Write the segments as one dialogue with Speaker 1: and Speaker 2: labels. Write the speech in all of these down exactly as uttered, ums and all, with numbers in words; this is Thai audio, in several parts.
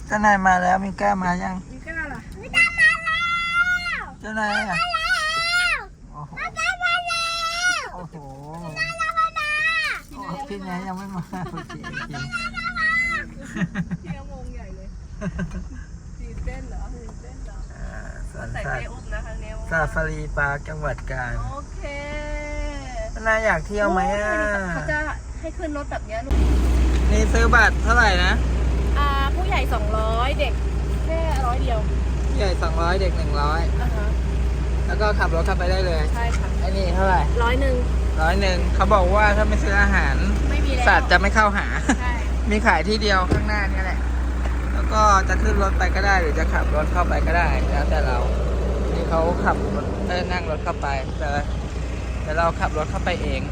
Speaker 1: เจ้านายมาแล้วมิก้ามายัง
Speaker 2: มิก้าล่ะ
Speaker 3: มิก้ามาแล้ว
Speaker 1: เจ้านายอ่ะ
Speaker 3: มาแล้ว
Speaker 1: โอ้โห
Speaker 3: มาแล้วมาแล้ว
Speaker 1: โอ้โห
Speaker 3: มาแล้วมาแล้ว
Speaker 1: โอ้พี่นายยังไม่มาโอเคโอเค
Speaker 2: พี่งงใหญ่เลยตื่นเต้นเหรอตื่นเต้นเหรอ
Speaker 1: อ่าสวน
Speaker 2: ใส่
Speaker 1: สัต
Speaker 2: เป้
Speaker 1: ว์
Speaker 2: อุ้มนะครั้งนี้
Speaker 1: ซาฟารีปาร์คจังหวัดกาญ
Speaker 2: โอเค
Speaker 1: เจ้านายอยากเที่ยวไหมอ่ะ
Speaker 2: เขาจะให้ขึ้นรถแบบนี้ลูก
Speaker 1: นี่ซื้อบัตรเท่าไหร่นะ
Speaker 2: อ่าผู้ใหญ่สองร้อยเด็กแค่ร้อยเดียว
Speaker 1: ใหญ่สองร้อยเด็กหนึ่งร้อย
Speaker 2: อ่าฮะ
Speaker 1: แล้วก็ขับรถเข้าไปได้เลย
Speaker 2: ใช่ค่ะ
Speaker 1: ไอ้นี่เท่าไหร่
Speaker 2: ร้อยหนึ่ง
Speaker 1: ร้อยหนึ่งเขาบอกว่าถ้าไม่ซื้ออาหาร
Speaker 2: ไม่มีแล้ว
Speaker 1: สัตว์จะไม่เข้าหา
Speaker 2: ใช่
Speaker 1: มีขายที่เดียวข้างหน้านี่แหละ แล้วก็จะขึ้นรถไปก็ได้หรือจะขับรถเข้าไปก็ได้ แล้วแต่เรา ที่เขาขับรถเอ้ยนั่งรถเข้าไป แต่แต่เราขับรถเข้าไปเอง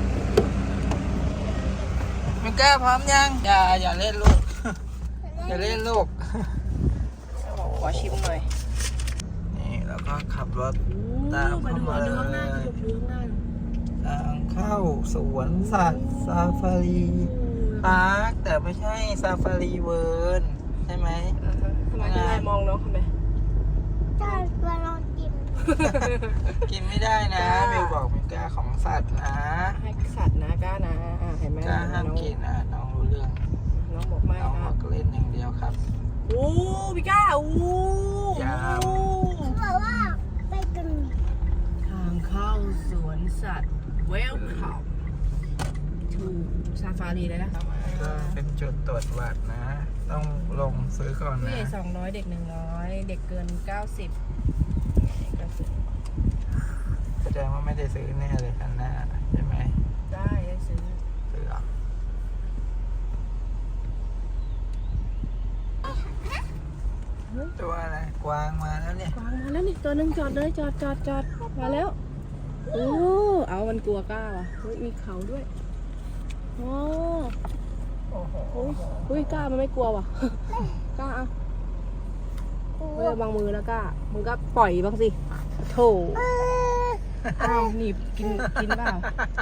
Speaker 1: มิก้าพร้อมยัง อย่าอย่าเล่นลูก อย่าเล่นลูก
Speaker 2: ขอชิมหน่อย
Speaker 1: นี่แล้วก็ขับรถตาม
Speaker 2: มา
Speaker 1: เข้า
Speaker 2: ดู
Speaker 1: มา
Speaker 2: ดู
Speaker 1: เล
Speaker 2: ข้างหน้าย ดูดูข้างหน้า
Speaker 1: ทางเข้าสวนสัตว์ซาฟารีพาร์คแต่ไม่ใช่ซาฟารีเวิร์นใช่ไหม
Speaker 2: อ่าฮะทำไมคุณนายมองน้องทำไม
Speaker 3: จอดตัวลองกิน
Speaker 1: กินไม่ได้นะ
Speaker 2: จ้า
Speaker 1: เบลบอกมิก้าของสัตว์นะ
Speaker 2: ให้สัตว์นะกล้านะอ่าเห็นไหม
Speaker 1: กล้าห้าม
Speaker 2: น้อง
Speaker 1: กินนะน้องรู้เรื่อง
Speaker 2: น้องบอกไม่
Speaker 1: น้อง
Speaker 2: ค
Speaker 1: บ
Speaker 2: รั
Speaker 1: อบ กเล่นอย่างเดียวครับ
Speaker 2: โอ้พี่ก้าโอ้
Speaker 1: ยาว
Speaker 3: เขาบอกว่าไปกัน
Speaker 2: ทางเข้าสวนสัตว์ Welcome to Safari เลยนะ
Speaker 1: ก็เป็นจุดตรวจวัดนะ ต้องลงซื้อก่อน
Speaker 2: ผู้
Speaker 1: นะ
Speaker 2: ใหญ่สองร้อยเด็กหนึ่งร้อยเด็กเกินเก้าสิบก็ซื้อ
Speaker 1: แสดงว่าไม่ได้ซื้อแน่เลยคันหน้าใช่ไหม
Speaker 2: ได้ได้ซื้อ
Speaker 1: ซื้อเหรอตัวอะไรกวางมาแล้วเนี่ย
Speaker 2: กวางมาแล้วนี่ตัวหนึ่งจอดเลยจอดจอดจอดมาแล้วโอ้เอามันกลัวกล้าว่ะเฮ้ยมีเขาด้วยโอ้
Speaker 1: โอ้โห
Speaker 2: โอ้ยเฮ้ยกล้ามันไม่กลัวว่ะ กล้าเอาเฮ้ยระวังมือนะกล้ามึงก็ปล่อยบ้างสิโถอ้าวหนีบกินกินเปล่า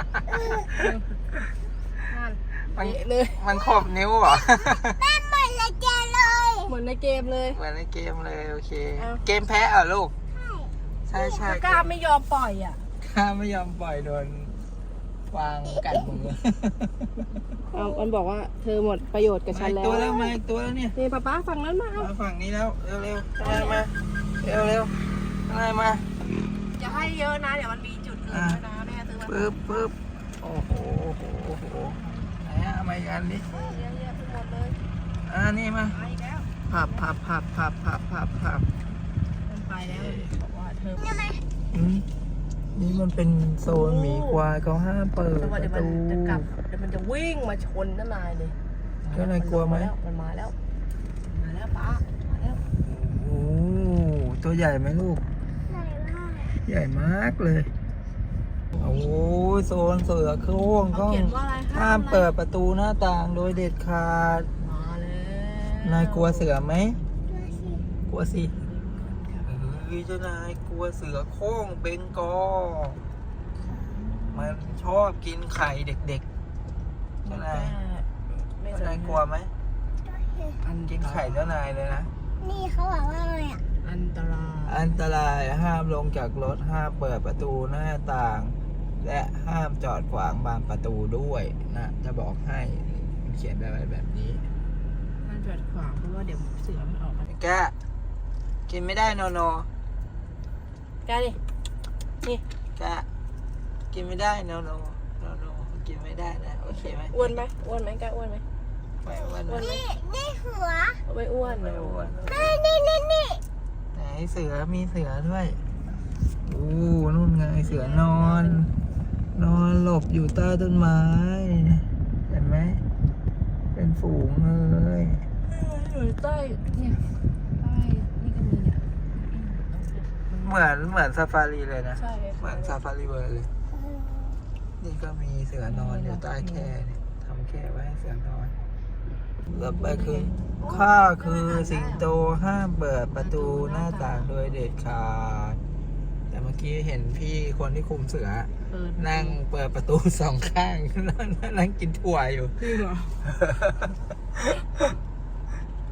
Speaker 2: นั่น
Speaker 1: มัน
Speaker 2: เละเลย
Speaker 1: มันขบนิ้วเหรอ
Speaker 3: แม่เหมือนละแกเลย
Speaker 2: เหมือนในเกมเลย
Speaker 1: เหมือนในเกมเลยโอเค
Speaker 2: เอ้า
Speaker 1: เกมแพ้เหรอลูก ใช่ใช่
Speaker 2: กล้าไม่ยอมปล่อยอ่ะ
Speaker 1: ข้าไม่ยอมปล่อยโดนวางกัดมือ
Speaker 2: เอามันบอกว่าเธอหมดประโยชน์กับ
Speaker 1: มา
Speaker 2: ฉัน
Speaker 1: อีก
Speaker 2: แล้ว
Speaker 1: ตัวแล้วมาอีกตัวแล้วเนี่ย
Speaker 2: นี่ป้าป้าฝั่งนั้นมาเอา
Speaker 1: มาฝั่งนี้แล้วเร็วเร็วๆข้างในมาเร็วเร็วๆข้างในมา
Speaker 2: จะให้เยอะนะเดี๋ยวมันมีจุดอื่นด้วยนะแม่ซื้อมา
Speaker 1: ปึ๊บปึ๊บโอ้โหโอ้โหโอ้โหไหนอะเอามาอีกอันดิ
Speaker 2: เยอะๆทั้งหมดเลย
Speaker 1: อ่านี่มา
Speaker 2: ไปอีกแล้ว
Speaker 1: พับพับพับพับพับพับพับ
Speaker 2: มันไปแล้วบอกว่าเธอ
Speaker 1: อืมนี่มันเป็นโซนหมีควายเขาห้ามเปิด
Speaker 2: แต่
Speaker 1: ป
Speaker 2: ว่าเดี๋ยว
Speaker 1: ระ
Speaker 2: มัน
Speaker 1: ตู
Speaker 2: จะกลับเดี๋ยวมันจะวิ่งมาชนน้านายเลย
Speaker 1: เจ้านายกลัวไหม
Speaker 2: มันมาแล้วมาแล้วป้ามาแล้ว
Speaker 1: โอ้โหตัวใหญ่ไหมลูก
Speaker 3: ไหนว่า
Speaker 1: ใหญ่มากเลย โอ้ยโซนเสือโคร่ง
Speaker 2: เขา
Speaker 1: ก็
Speaker 2: เขียนว่าอะไร
Speaker 1: ห้ามเปิดประตูหน้าต่างโดยเด็ดขาด
Speaker 2: มาแล้ว
Speaker 1: นายกลัวเสือไหม
Speaker 3: ตัวสิ
Speaker 1: กลัวสิเฮ้ยเจ้านายกลัวเสือโคร่งเบงกอลมันชอบกินไข่เด็กๆ เจ้านาย
Speaker 2: ไม่
Speaker 1: เจ้านายกลัวไหม
Speaker 3: ตัวสิ
Speaker 2: อัน
Speaker 1: กินไข่เจ้านายเลยนะ
Speaker 3: นี่เขาบอกว่าอะไรอ่ะ
Speaker 2: อันตราย
Speaker 1: อันตรายห้ามลงจากรถห้ามเปิดประตูหน้าต่าง และห้ามจอดขวางบานประตูด้วยนะจะบอกให้มันเขียนแบบแบบนี้
Speaker 2: มันจอดขวางเพราะว่าเดี๋ยวเสือมันออกมา
Speaker 1: แกกินไม่ได้โนโน
Speaker 2: แกดินี่
Speaker 1: แกกินไม่ได้โนโนโนโนกินไม่ได้นะโอเคไหม
Speaker 2: อ้วนไหมอ้วนไหมแกอ้วนไหม
Speaker 1: ไม่อ้วน
Speaker 2: อ้วนไหม
Speaker 3: นี่นี่หัว
Speaker 2: ไม่อ้วน
Speaker 1: ไม่อ้วน
Speaker 3: นี่นี่นี่นี่
Speaker 1: ไหนเสือมีเสือด้วยโอ้นู่นไงเสือนอน นอนหลบอยู่ใต้ต้นไม้เห็นไหมเป็นฝูงเลย
Speaker 2: อยู่ใต้เนี่ยใต้นี่ก็มีเนี่ย
Speaker 1: เหมือนเหมือนซาฟารีเลยนะ
Speaker 2: ใช่
Speaker 1: เหมือนซาฟารีเวิร์เลย นี่ก็มีเสือนอนอยู่ใต้แคร่เนี่ยทำแคร่ไว้ให้เสือนอนต่อไปคือข้าคือสิงโตห้ามเปิดประตูหน้าต่างโดยเด็ดขาด แต่เมื่อกี้เห็นพี่คนที่คุมเสือ
Speaker 2: เปิด
Speaker 1: นั่งเปิดประตูสองข้าง นั่งกินถั่วอยู่
Speaker 2: จริงเหรอ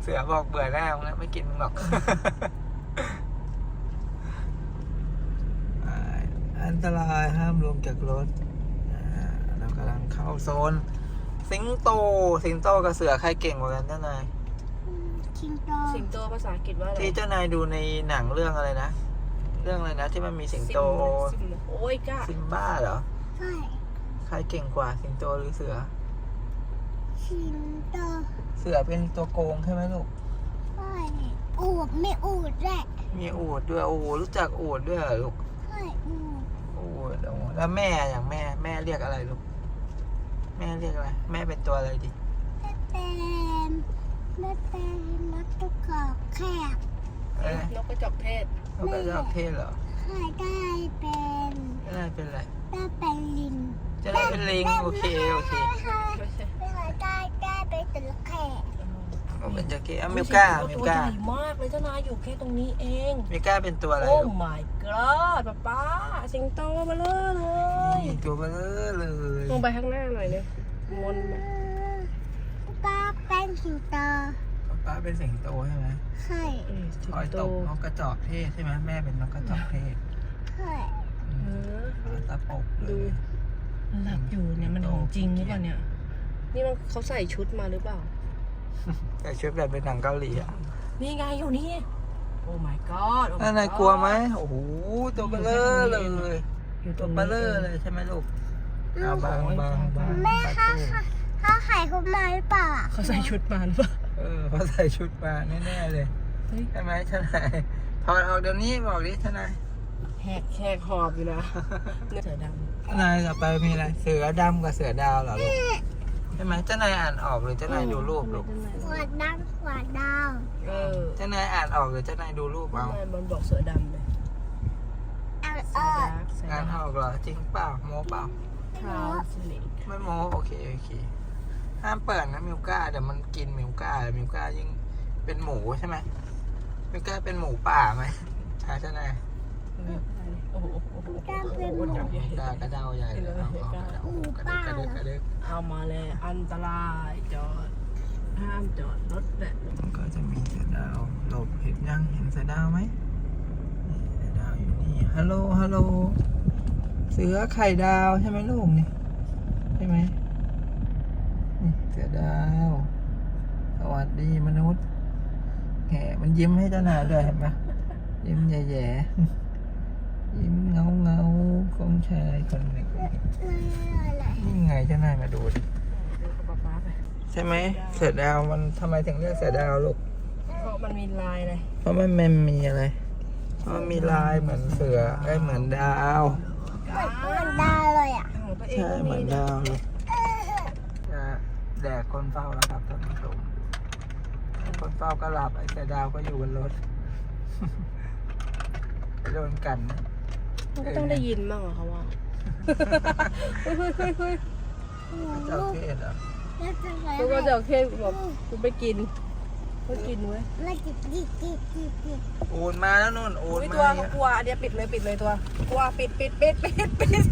Speaker 1: เสือบอกเบื่อหน้ามึงแล้วไม่กินมึงหรอก อ่าอันตรายห้ามลงจากรถอ่าเรากำลังเข้าโซน สิงโต สิงโตกับเสือใครเก่งกว่ากันเจ้านาย
Speaker 3: ชิงโต
Speaker 2: สิงโตภาษาอังกฤษว่าอะไร
Speaker 1: ที่เจ้านายดูในหนังเรื่องอะไรนะ เรื่องอะไรนะที่มันมีสิงโต
Speaker 2: ซิมโอ้ยก้า
Speaker 1: ซิมบ้าเหรอ
Speaker 3: ใช่
Speaker 1: ใครเก่งกว่าสิงโตหรือเสือ
Speaker 3: ชิงโต
Speaker 1: เสือเป็นตัวโกงใช่ไหมลูก
Speaker 3: ใช่อูดไม่อูดแหละ
Speaker 1: มีอูฐด้วยโอ้โหรู้จักอูฐด้วยเหรอลูก
Speaker 3: ใช่อูด
Speaker 1: อูฐโอ้โหแล้วแม่อย่างแม่แม่เรียกอะไรลูก แม่เรียกอะไร แม่เป็นตัวอะไรดิ
Speaker 3: แม่เป็นแม่เป็นนักตะกอกแขก
Speaker 1: เอ้ย
Speaker 2: นกกระจอกเทศ
Speaker 1: นกกระจอกเทศเหรอ
Speaker 3: ใช่ได้เป็น
Speaker 1: เจ้านายเป็นอะไร
Speaker 3: ได้เป็นลิง
Speaker 1: เจ้านายเป็นลิงโอเคโอเค
Speaker 3: ใช่
Speaker 2: ไม่ใช่
Speaker 3: ได้ได้ได้เป็นจระเข้
Speaker 1: ก็เป็นจระเข้อ่ะมิวก้ามิว
Speaker 2: ตัวให
Speaker 1: ก้า
Speaker 2: ญ่มากเลยเจ้านายอยู่แค่ตรงนี้เอง
Speaker 1: มิวก้าเป็นตัวอะไร
Speaker 2: โอ้
Speaker 1: ลูก
Speaker 2: my god ป๊าป๊าสิงโตมาเลยเลย
Speaker 1: นี่ตัวเบลอเลย
Speaker 2: ลงไปข้างหน้าหน่อยเลยมน
Speaker 3: ป้าเป็นสิงโต
Speaker 1: ป้าเป็นสิงโตใช่ไหม
Speaker 3: ใช่
Speaker 2: เอ้ยสิง
Speaker 1: คอย
Speaker 2: โต
Speaker 1: ตกนกกระจอกเทศใช่ไหมแม่เป็นนกกระจอกเทศ
Speaker 3: ใช่
Speaker 1: อื
Speaker 2: เอ
Speaker 1: ม
Speaker 2: อ
Speaker 1: ตาปกเล
Speaker 2: ดู
Speaker 1: ย
Speaker 2: หลับอยู่เนี่ยมันของจริงหรือเปล่าเนี่ยนี่มันเขาใส่ชุดมาหรือเปล่า
Speaker 1: แต่ชุดแบบเป็นหนังเกาหลีอ่ะ
Speaker 2: นี่ไงอยู่นี่โอ้ my god โอ้ my
Speaker 1: นั่นนาย
Speaker 2: god
Speaker 1: กลัวไหมโอ้โหตัวเบลอเลย
Speaker 2: อยู่ต
Speaker 1: ตั
Speaker 2: ร
Speaker 1: ว
Speaker 2: ง
Speaker 1: เบ
Speaker 2: นี้
Speaker 1: ลอเลยใช่ไหมลูกเอาบางบางบาง
Speaker 3: แม่
Speaker 1: ปลา
Speaker 3: ค่ะ
Speaker 1: ทู
Speaker 3: ถ้าไข่เขามาหรือเปล่าอะ
Speaker 2: เขาใส่ชุดมาหรือเปล่า
Speaker 1: เออเขาใส่ชุดมาแน่ๆเลย
Speaker 2: เฮ้ย
Speaker 1: ใช่ไหมทนายถอดออกเดี๋ยวนี้บอกดิทนาย
Speaker 2: แหกแหกหอบอยู่นะเสือด
Speaker 1: ทนายต่อไปมีอะไรเสือดำกับเสือดาวเหรอลูกใช่ไหมเจ้านายอ่านออกหรือ
Speaker 2: ำ
Speaker 1: เจ้านายดูรูปลูก
Speaker 3: ขวดดำขวดดาว
Speaker 2: เออ
Speaker 1: เจ้านายอ่านออกหรือเจ้านายดูรูปเอา
Speaker 2: ทำไมมันบอกเสือดำเลย
Speaker 3: เอา
Speaker 2: เสื
Speaker 3: เอ
Speaker 2: อ
Speaker 3: อ
Speaker 2: ดำเสือ
Speaker 1: อ่าน
Speaker 2: ดำ
Speaker 1: ออกเหรอจริงเปล่าโมเปล่า
Speaker 2: ทาวสลิก
Speaker 1: ไม่โมโอเคโอเคห้ามเปิดนะมิวก้าเดี๋ยวมันกินมิวก้ามิวก้ายิ่งเป็นหมูใช่ไหมมิวก้าเป็นหมูป่าไหมใช่ใช่ไหม
Speaker 2: โอ้โหโอ้โห
Speaker 3: กล้ามเป็นหมู
Speaker 2: ใหญ่
Speaker 1: กากระเดาใหญ่เลยเอาเอากระเดาโอ้โหกระเดกกระเดกกระเดก
Speaker 2: เอามาเลยอันตรายจอดห้ามจอดรถแหละ
Speaker 1: มันก็จะมีเสือดาวหลบเห็นยังเห็นเสือดาวไหมนี่เสือดาวอยู่นี่ฮัลโหลฮัลโหลเสือไข่ดาวใช่ไหมลูกนี่ใช่ไหมนี่เสือดาว สวัสดีมนุษย์แหมมันยิ้มให้เจ้านายด้วยเห็นปะยิ้มแย่ๆยิ้มเงาเงาๆของชายคนหนึ่ง
Speaker 3: อะไร
Speaker 1: นี่ไงเจ้านายมาดูดิ
Speaker 2: ดูกับป๊าป๊าไป
Speaker 1: ใช่ไหมเสือดาวมันทำไมถึงเรียกเสือดาวลูก
Speaker 2: เพราะมันมีลายเลย
Speaker 1: เพราะมันมันมีอะไรเพราะมันมีลายเหมือนเสือไอ้ยเหมือนดาว
Speaker 3: เหมือนดาวเลยอ่ะ
Speaker 2: ของตัวเอง
Speaker 1: ใช่
Speaker 2: ก็
Speaker 1: เหมื
Speaker 2: มี
Speaker 1: อน
Speaker 2: นะ
Speaker 1: ดาวเลยจะแดกคนเฝ้าแล้วครับท่านผู้ชมคนเฝ้าก็หลับไอ้เสือดาวก็อยู่บนรถ ไปโดนกันนะ
Speaker 2: มันก็ต้องได้ยินบ้างเหรอเขาว่าเฮ้ยเฮ้ยเฮ้ยเฮ้ย
Speaker 1: เจ้าเทศเหรอ
Speaker 3: แล้วจะไง
Speaker 2: แล้วก็จะเอาเคสบอกกูไปกินก็กินเว้ย
Speaker 3: แล้วจิกจิกจิกจิกจิก
Speaker 1: โอนมาแล้วนู่นโอน
Speaker 2: อุ้ย
Speaker 1: มา
Speaker 2: ตัว
Speaker 1: เนี่ย
Speaker 2: กลัวอันเนี้ยปิดเลยปิดเลยตัวกลัวปิดปิดปิดปิดปิด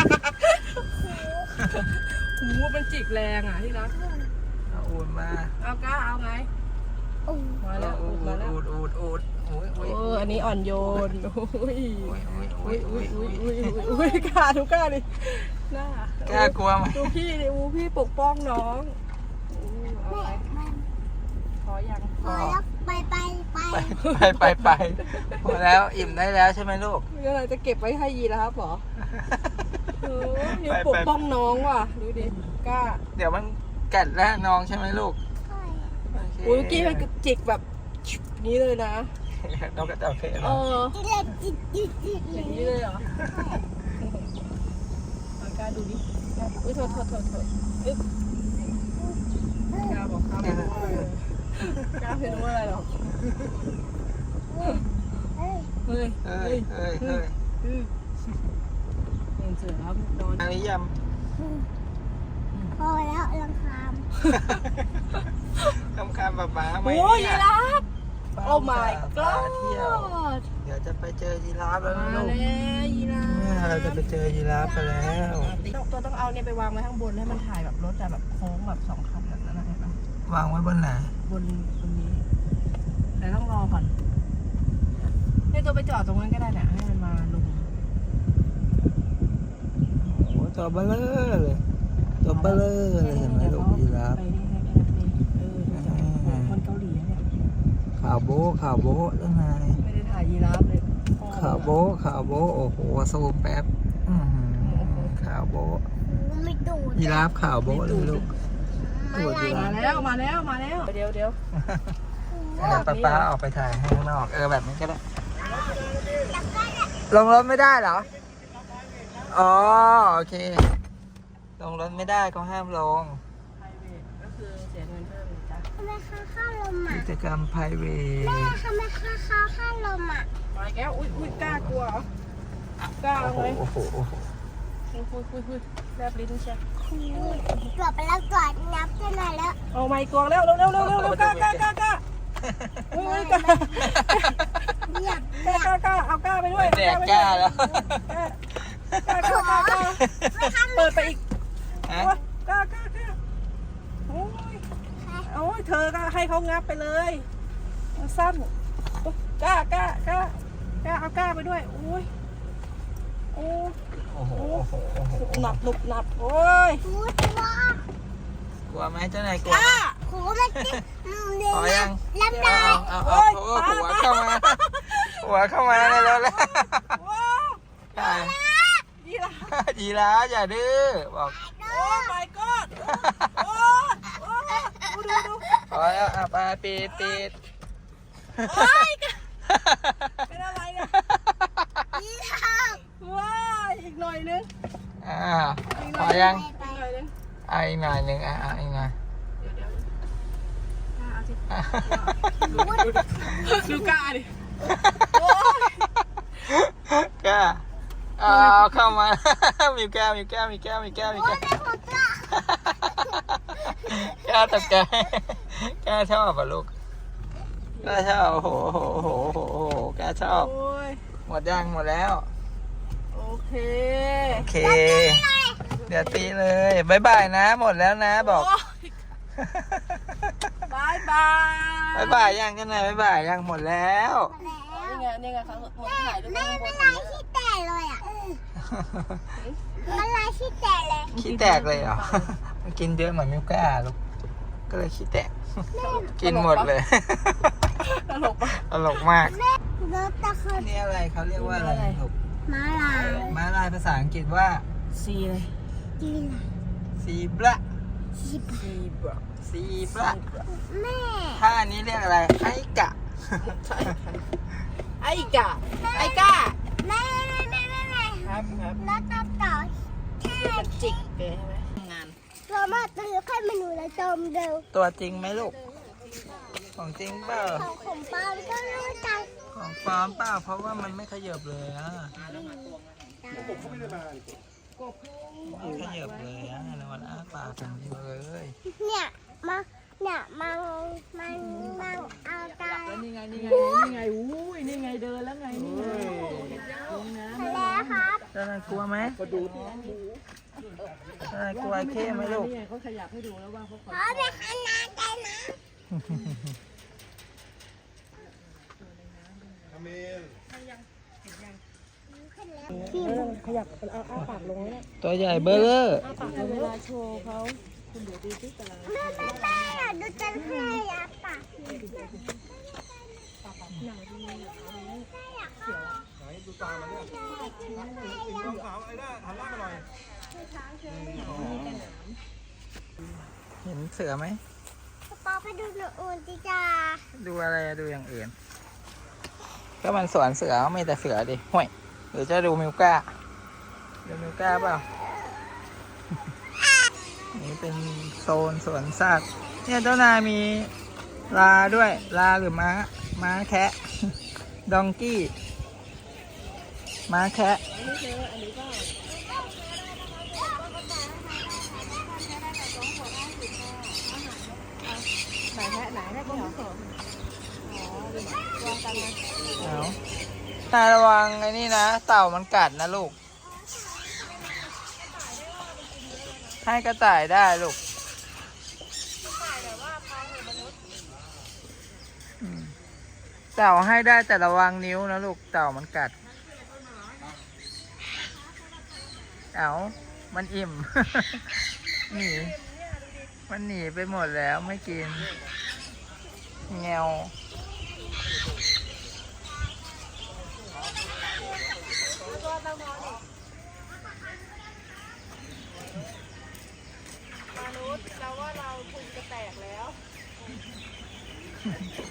Speaker 2: หูมันจิกแรงอ่ะที่รัก
Speaker 1: เอาโอนมา
Speaker 2: เอาก้าเอาไง
Speaker 3: โอ้
Speaker 2: มาแล้ว
Speaker 1: อูด
Speaker 2: มาแล้ว
Speaker 1: อูดอูดอูดโอ้ยโอ้ย
Speaker 2: เอออันนี้อ่อนโยนอุ้ย
Speaker 1: โอ้ยโอ้ยโอ้
Speaker 2: อุ้
Speaker 1: ย
Speaker 2: ย
Speaker 1: โอ้
Speaker 2: อุ้
Speaker 1: ย
Speaker 2: ย
Speaker 1: โอ้
Speaker 2: อุ้
Speaker 1: ย
Speaker 2: ยอุ้ยอุ้ยอุ้ยกล้าดูกล้าดิหน้าก
Speaker 1: ล้ากลัวไหม
Speaker 2: ดูพี่ดิอูพี่ปกป้องน้องอู้เอา
Speaker 3: แม่
Speaker 2: ไง
Speaker 3: มัน
Speaker 2: พอยัง
Speaker 3: พอแล้วไปไปไป
Speaker 1: ไปไปไปพอแล้วอิ่มได้แล้วใช่ไหมลูก
Speaker 2: มีอะไรจะเก็บไว้ให้ยีราฟเหรอเออยัง
Speaker 1: ไปไป
Speaker 2: ปกป้องน้องว่ะดูดิกล้า
Speaker 1: เดี๋ยวมันกัดแล้วน้องใช่ไหมลูก
Speaker 3: ใช่
Speaker 1: โอเค
Speaker 2: อุ้ยเมื่อกี้มันจิกแบบนี้เลยนะ
Speaker 1: นกกระจอกเทศเหร
Speaker 2: เอ
Speaker 1: อ
Speaker 2: อ
Speaker 3: จิกเลยจิกจิกจิก
Speaker 2: อย่างนี้เลยเหรอเอากล้าดูดิอุ้ยโทษโทษโทษโทษอึ๊บกล้าบอกกล้าไม่รู้อะไรเลยกล้าไม่รู้อะไรหรอก
Speaker 3: เฮ้ย
Speaker 2: เฮ้ย
Speaker 1: เฮ้ยเฮ้ยเฮ้ย
Speaker 2: อืมเห็นเสือครับนอน
Speaker 1: อันนี้ย
Speaker 3: พอแล้วลังคาม
Speaker 1: ำทำคำป๊าป๊าไหม
Speaker 2: โอ้ยยี
Speaker 1: เนี่ย
Speaker 2: ราฟ
Speaker 1: ป้า
Speaker 2: โอ้ my
Speaker 1: พาเที่ยว
Speaker 2: god
Speaker 1: เดี๋ยวจะไปเจอยีราฟแล้ว
Speaker 2: มา
Speaker 1: นะ
Speaker 2: แล้
Speaker 1: ลูก
Speaker 2: วยีราฟ
Speaker 1: เนี่ยเราจะไปเจอยีราฟกันแล้ว
Speaker 2: ตัวต้องเอาเนี่ยไปวางไว้ข้างบนให้มันถ่ายแบบรถแต่แบบโค้งแบบสองคันแบบนั้นนะเห็นปะ
Speaker 1: วางไว้บนไหน
Speaker 2: บนบนนี้แต่ต้องรอก่อนให้ตัวไปจอดตรงนั้นก็ได้เนี่ยให้มันมาลง
Speaker 1: โอ้ตัวเบลอเลยตัวเบลอเลยเห็นไหมลูกยีราฟ
Speaker 2: ไปนี่ให้แค่นั้นเองเออดูจอดเหมือนคนเกาหลีเนี่ย
Speaker 1: ข่าวโบ๊ะข่าวโบ๊ะเจ้านาย
Speaker 2: ไม่ได้ถ่ายยีราฟเลย
Speaker 1: ข่าวโบ๊ะข่าวโบ๊ะโอ้โหซูมแป๊บอื้อหือข่าวโบ๊ะ
Speaker 3: ไม่ดูด
Speaker 1: ยีราฟข่าวโบ๊ะเลยลูกตัวยีรา
Speaker 2: มา
Speaker 1: ฟ
Speaker 2: แล้วมาแล้วมาแล้วเดี๋ยวเดี๋ยว
Speaker 1: เดี๋ยวป้าป้าออกไปถ่ายให้ข้างนอกเออแบบนี้ก็ได้ลงรถไม่ได้เหรออ๋อโอเคลงรถไม่ได้ก็ห้ามลง
Speaker 2: ก็คือเสียเงินเพิ่มจ้ะ
Speaker 3: ทำไมข้าวข้าวลมอ่ะ
Speaker 1: กิจกรรม private
Speaker 3: แม่ทำไมข้าวข้าวข้าวลมอ่ะ
Speaker 2: มาแก้วอุ้ยอุ้ยกล้ากลัวเหรอกล้า
Speaker 1: โอ้โห
Speaker 2: เลย
Speaker 1: โอ้โหโอ้โห
Speaker 2: อุ้ยอุ้ยอุ้ยอุ้ยแลบลิ้นใช่
Speaker 3: ตรวจไปแล้วตรวจนับกันหน่อยแล้ว
Speaker 2: เอาไม้กวางแล้วเร็วเร็วเร็วเร็วเร็วกล้ากล้ากล้ากล้าอุ้ยอุ้ยกล้า
Speaker 3: อยาก
Speaker 2: กล้ากล้ากล้าเอากล้าไปด้วย
Speaker 1: แดกกล้าแล้ว
Speaker 2: กล้ากล้ากล้ากล้าเปิดไปอีก
Speaker 1: ฮะ
Speaker 2: โอ้ยกล้ากล้ากล้าโอ้ยโอ้ยเธอก็ให้เขางับไปเลยมันสั้นกล้ากล้ากล้ากล้าเอากล้าไปด้วยโอ้ยโอ้ย
Speaker 1: โอ้โหโอ้โหโอ้โห
Speaker 2: หนับหนุบหนับโอ้ย
Speaker 3: พูดว่าก
Speaker 1: ลัวไหมเจ้านายกลัว
Speaker 2: กล้า
Speaker 3: โหมันจะเดี๋ยว
Speaker 1: พอยัง
Speaker 3: ลำได้
Speaker 1: เอาเอาเอาเอาหัวเข้ามา หัวเข้ามาเลยแล้วแล้ว
Speaker 2: ว้าว
Speaker 1: ใช่
Speaker 2: ยีราฟ
Speaker 1: ยีราฟอย่าดื้อบอก
Speaker 2: โอ้ my god โอ้โอ้ดูดูดู
Speaker 1: พอแล้วอ่ะไปปิดปิด
Speaker 2: โอ้ยเป็นอะไรเนี่ย
Speaker 3: ยีราฟ
Speaker 2: ว้ายอีกหน่อยนึง
Speaker 1: อ่าพอยัง
Speaker 2: อีกหน่อยนึง
Speaker 1: อ่ะอีกหน่อยหนึ่งอ่ะอ่ะอีกหน่อย
Speaker 2: เดี๋ยวเดี๋ยวกล้าเอาสิ
Speaker 1: อ่ะ
Speaker 2: ดูกล้าดิโอ้ย
Speaker 1: กล้าเอาเข้ามา มีแก้วมีแก้วมีแก้วมีแก้วมี
Speaker 3: โอ้
Speaker 1: แก้
Speaker 3: ยว แต่ผมจะ
Speaker 1: กล้าตกใจกล้าชอบป่ะลูกกล้าชอบโอ้โหโอ้โหโอ้โหโอ้โหกล้าชอบ
Speaker 2: โอ้ย
Speaker 1: หมดยังหมดแล้ว
Speaker 2: โอเค
Speaker 1: โอเค เดี๋ยวตีเลยบายบายนะ หมดแล้วนะบอก
Speaker 2: โยบายบาย
Speaker 1: บายบายยังกันไหนบายบายยังหมดแล้ว
Speaker 2: นี่ไงนี่ไงเขาหมดถ่ายด้วย
Speaker 3: แม่
Speaker 2: ข้างบ
Speaker 3: ไม่
Speaker 2: น
Speaker 3: ลายขี้แตกเลยอ่ะมันลายขี้แตกเลย
Speaker 1: ขี้แตกเลยเหรอ มันกินเยอะเหมือนมิวก้าลูกก็เลยขี้แตก กินหมดเลย
Speaker 2: ตลกปะ
Speaker 1: ตลกมาก
Speaker 3: แม่รถตะค
Speaker 1: นี่อะไรเขาเรียกว่าอะไรลูก
Speaker 3: ม้าลาย
Speaker 1: ม้าลายภาษาอังกฤษว่า
Speaker 2: ซีเลย
Speaker 3: จีน
Speaker 1: ซีบระ
Speaker 3: ชิบ
Speaker 2: ซีบะ
Speaker 1: ซีบระ
Speaker 3: แม่
Speaker 1: ถ้าอันนี้เรียกอะไรไอ้กะ
Speaker 2: ใช่ค่ะไอ้กาไอ้กา
Speaker 3: แม่แม่แม่แม่แม่
Speaker 2: ครับครับ
Speaker 3: รถตะต่อแค่
Speaker 2: มันจิกเกยใช่ไหมงาน
Speaker 3: เรามาตื้อให้มันหนูและจมเร็ว
Speaker 1: ตัวจริงไหมลูก ของจริงเปล่า
Speaker 3: ของผมปาก็รู้จัก
Speaker 1: ของปลอมเปล่าเพราะว่ามันไม่ขยับเลยอ่ะไม่ขยับเลยอ่ะแล้วมันอ้าปากอย่างเดียวเลย
Speaker 3: เนี่ยมาเนี่ยมังมันมังเอาตา
Speaker 2: นี่ไงนี่ไงนี่ไงอุ้ยนี่ไงเดินแล้วไงนี่ไงนี่นะ
Speaker 3: แล้วครับ
Speaker 1: เจ้านายกลัวไหมเจ้านายกลัวไอ้เข้ไหมลูก
Speaker 2: นี่ไงเขาขยับให้ดูแล้วว่าเขาขอ
Speaker 3: ขอไปขนาดได้นะ
Speaker 2: ขยับเอาอ้าปากลงแล้ว
Speaker 1: ตัวใหญ่เบอร์เลอร์
Speaker 2: อ้าปากเวลาโชว์เขาคุณเดี๋ยวดูที่ตาราง
Speaker 3: แม่แม่แม่อยากดูจันทร์ให้ยาปาก
Speaker 1: เห็นเสือไหม
Speaker 3: ปอไปดูหนูอุ่นจิจ้า
Speaker 1: ดูอะไรอะดูอย่างอื่น ก็มันสวนเสือไม่แต่เสือดิห่วยหรือจะดูมิวก้า ดูมิวก้าเปล่า นี่เป็นโซนสวนสัตว์ เนี่ยเจ้านายมีลาด้วย ลาหรือม้า ม้าแคะ ดองกี้ ม้าแคะ
Speaker 2: ไหนแค่ไหนแค่ก็เหรออ๋อดูวางกันนะ
Speaker 1: เอาตาระวังไอ้นี่นะ เต่ามันกัดนะลูก ให้กระต่ายได้ลูกอืมเต่าให้ได้แต่ระวังนิ้วนะลูกเต่ามันกัด เอามันอิ่ม หนี มันหนีไปหมดแล้วไม่กินแงว
Speaker 2: มนุษย์เราว่าเราพุงจะแตกแล้ว